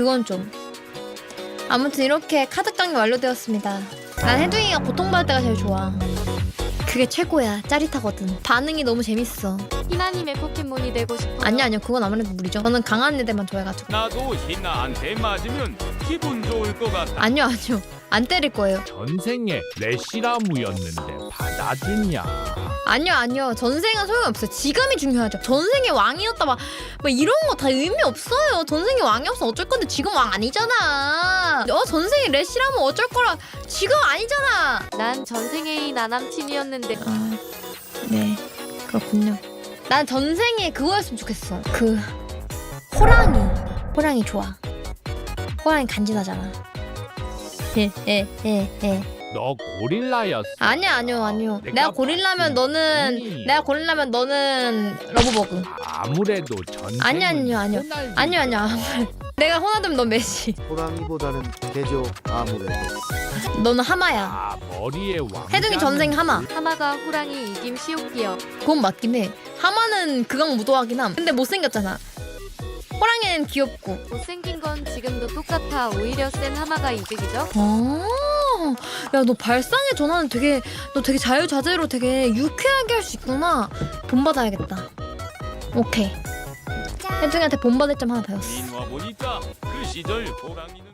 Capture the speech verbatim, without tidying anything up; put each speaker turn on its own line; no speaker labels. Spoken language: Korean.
그건 좀. 아무튼 이렇게 카드 깡이 완료되었습니다. 난 해둥이가 고통받을 때가 제일 좋아. 그게 최고야. 짜릿하거든. 반응이 너무 재밌어.
희나님의 포켓몬이 되고 싶어요.
아니요 아니요 그건 아무래도 무리죠. 저는 강한 애들만 좋아해가지고.
나도 희나한테 맞으면 기분 좋을 것 같아.
아니요 아니요 안 때릴 거예요.
전생에 레시라무였는데 받아주냐?
아니요 아니요 전생은 소용없어요. 지금이 중요하죠. 전생의 왕이었다 막, 막 이런 거 다 의미 없어요. 전생의 왕이 없으면 어쩔 건데 지금 왕 아니잖아. 어 전생에 레시라면 어쩔 거라. 지금 아니잖아.
난 전생에 나 남친이었는데
아, 네 그렇군요. 난 전생에 그거였으면 좋겠어. 그 호랑이 호랑이 좋아. 호랑이 간지나잖아. 예예예
너 고릴라였어.
아니야 아니요 아니요.
내가
내가 고릴라면 너는
봤으니.
내가 고릴라면 너는 러브버그.
아무래도 전생.
아니요 아니요 아니요 아니요 아니요. 내가 호나드면 넌 메시.
호랑이보다는 개죠 아무래도.
너는 하마야.
아 머리에 왕.
해둥이 전생 하마.
하마가 호랑이 이김 시오피어.
그건 맞긴 해. 하마는 극강 무도하긴 함. 근데 못생겼잖아. 호랑이는 귀엽고.
못생긴 건 지금도 똑같아. 오히려 센 하마가 이득이죠.
어. 야, 너 발상의 전환은 되게 너 되게 자유자재로 되게 유쾌하게 할 수 있구나. 본받아야겠다. 오케이. 혜중이한테 본받을 점 하나 배웠어.
민화 보니까 그 시절 호랑이는